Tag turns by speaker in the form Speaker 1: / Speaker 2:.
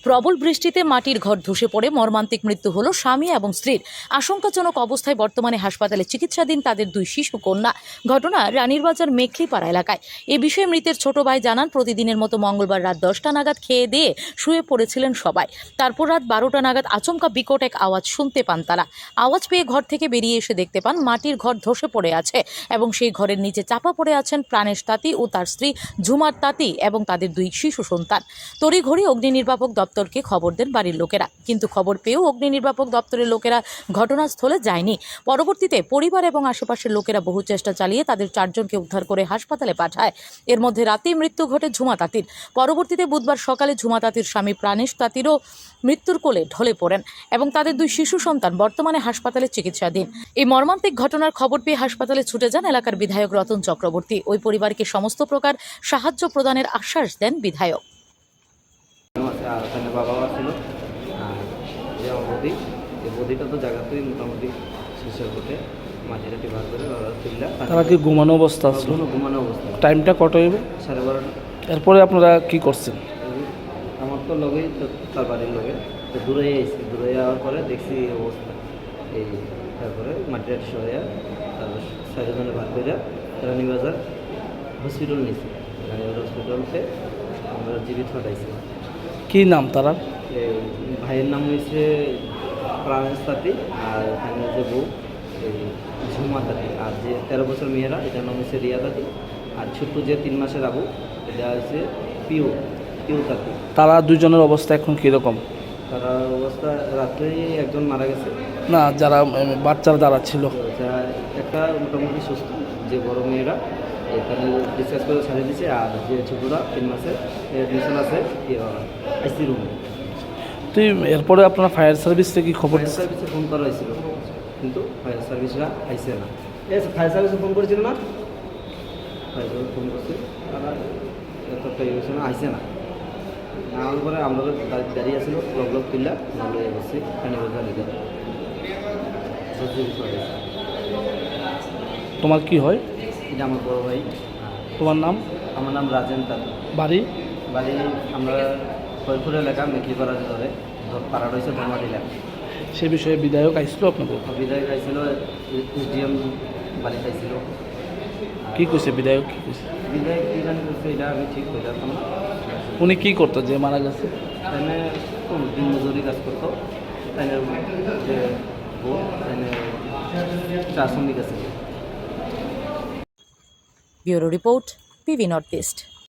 Speaker 1: প্রবল বৃষ্টিতে মাটির ঘর ধসে পড়ে মর্মান্তিক মৃত্যু হলো স্বামী এবং স্ত্রীর। আশঙ্কাজনক অবস্থায় বর্তমানে হাসপাতালে চিকিৎসাধীন তাদের দুই শিশু কন্যা। ঘটনা রানীরবাজার মেখলিপাড়া এলাকায়। এ বিষয়ে মৃতের ছোট ভাই জানান, প্রতিদিনের মতো মঙ্গলবার রাত 10টা নাগাদ খেয়ে দিয়ে শুয়ে পড়েছিলেন সবাই। তারপর রাত 12টা নাগাদ আচমকা বিকট এক আওয়াজ শুনতে পান তারা। আওয়াজ পেয়ে ঘর থেকে বেরিয়ে এসে দেখতে পান মাটির ঘর ধসে পড়ে আছে এবং সেই ঘরের নিচে চাপা পড়ে আছেন প্রাণেশ তাঁতি ও তার স্ত্রী ঝুমার তাঁতি এবং তাদের দুই শিশু সন্তান। তড়িঘড়ি অগ্নি নির্বাপক দপ্তরকে খবর দেন বাড়ির লোকেরা, কিন্তু খবর পেয়েও অগ্নি নির্বাপক দপ্তরের লোকেরা ঘটনাস্থলে যায়নি। পরবর্তীতে পরিবার এবং আশেপাশের লোকেরা বহু চেষ্টা চালিয়ে তাদের 4 জনকে উদ্ধার করে হাসপাতালে পাঠায়। এর মধ্যে রাতেই মৃত্যু ঘটে ঝুমা তাঁতির। পরবর্তীতে বুধবার সকালে ঝুমা তাঁতির স্বামী প্রাণেশ তাঁতিরও মৃত্যুর কোলে ঢলে পড়েন এবং তাদের দুই শিশু সন্তান বর্তমানে হাসপাতালে চিকিৎসাধীন। এই মর্মান্তিক ঘটনার খবর পেয়ে হাসপাতালে ছুটে যান এলাকার বিধায়ক রতন চক্রবর্তী। ওই পরিবারকে সমস্ত প্রকার সাহায্য প্রদানের আশ্বাস দেন বিধায়ক।
Speaker 2: বাবা ছিল আর যে বদি, এই বদিটা তো জায়গাতেই মোটামুটি শেষের পথে মাটিটাটি বার করে তুললা।
Speaker 3: তারা কি ঘুমানো অবস্থা ছিল?
Speaker 2: ঘুমানো অবস্থা।
Speaker 3: টাইমটা কত হইবে?
Speaker 2: 12:30।
Speaker 3: এরপরে আপনারা কি করছেন?
Speaker 2: আমার তো লগেই তার বাড়ির লগে তো দূরে এসেছি, দূরে যাওয়ার পরে দেখছি এই অবস্থা। এই তারপরে মাটিটাটি সরে তারপর 4 জনে বার করে রানীবাজার হসপিটাল নিয়েছি। রানীবাজার হসপিটালতে আমরা জীবিত হটাইছি।
Speaker 3: কি নাম তারা?
Speaker 2: ভাইয়ের নাম হয়েছে প্রাণেশ তাঁতি, আর এখানে যে বউ এই ঝুমা তাঁতি, আর যে 13 বছর মেয়েরা এটার নাম হচ্ছে রিয়া তাঁতি, আর ছোট্ট যে 3 মাসের আবু এটা হচ্ছে পিউ তাঁতি।
Speaker 3: তারা দুজনের অবস্থা এখন কীরকম?
Speaker 2: তারা অবস্থা রাত্রেই একজন মারা গেছে।
Speaker 3: না, যারা বাচ্চারা যারা ছিল
Speaker 2: যা একটা মোটামুটি সুস্থ, যে বড় মেয়েরা এখানে ডিসকাস করে ছাড়িয়ে দিচ্ছে, আর যে ছোটরা 3 মাসের অ্যাডমিশন আছে আইসি রুমে।
Speaker 3: তুই এরপরে আপনারা ফায়ার সার্ভিস থেকে খবর?
Speaker 2: ফায়ার সার্ভিসে ফোন করা হয়েছিল, কিন্তু ফায়ার সার্ভিসরা আইসে না। ফায়ার সার্ভিসে ফোন করেছিল না, ফায়ার সার্ভিস ফোন করছে, তারা এতটা হয়েছে না, আইসে না। না হওয়ার পরে আমরা দাঁড়িয়ে আসছিল ব্লক কিল্লা নাহলে বসছি রানীবাজার লিখে।
Speaker 3: তোমার কি হয়?
Speaker 2: এটা আমার বড় ভাই।
Speaker 3: তোমার নাম?
Speaker 2: আমার নাম রাজেন তাঁতি।
Speaker 3: বাড়ি?
Speaker 2: বাড়ি আমরা ফরিদপুর এলাকা মেখলিপাড়া ধরে পাড়া রয়েছে ধর্মাটি এলাকা।
Speaker 3: সে বিষয়ে বিধায়ক আইছিল আপনাদের?
Speaker 2: বিধায়ক আইছিল, এসডিএম বাড়িতে আইছিল।
Speaker 3: কী কইছে বিধায়ক? কী কইছে
Speaker 2: বিধায়ক কী জানি করছে, এটা আমি ঠিক হয়ে যেতাম না।
Speaker 3: উনি কী করতো যে মারা গেছে?
Speaker 2: তাইনে দিন মজুরি কাজ করতো, তাইনের যে বউ তাইনে 4 শ্রমিক আছে।
Speaker 1: Bureau report, PV north east.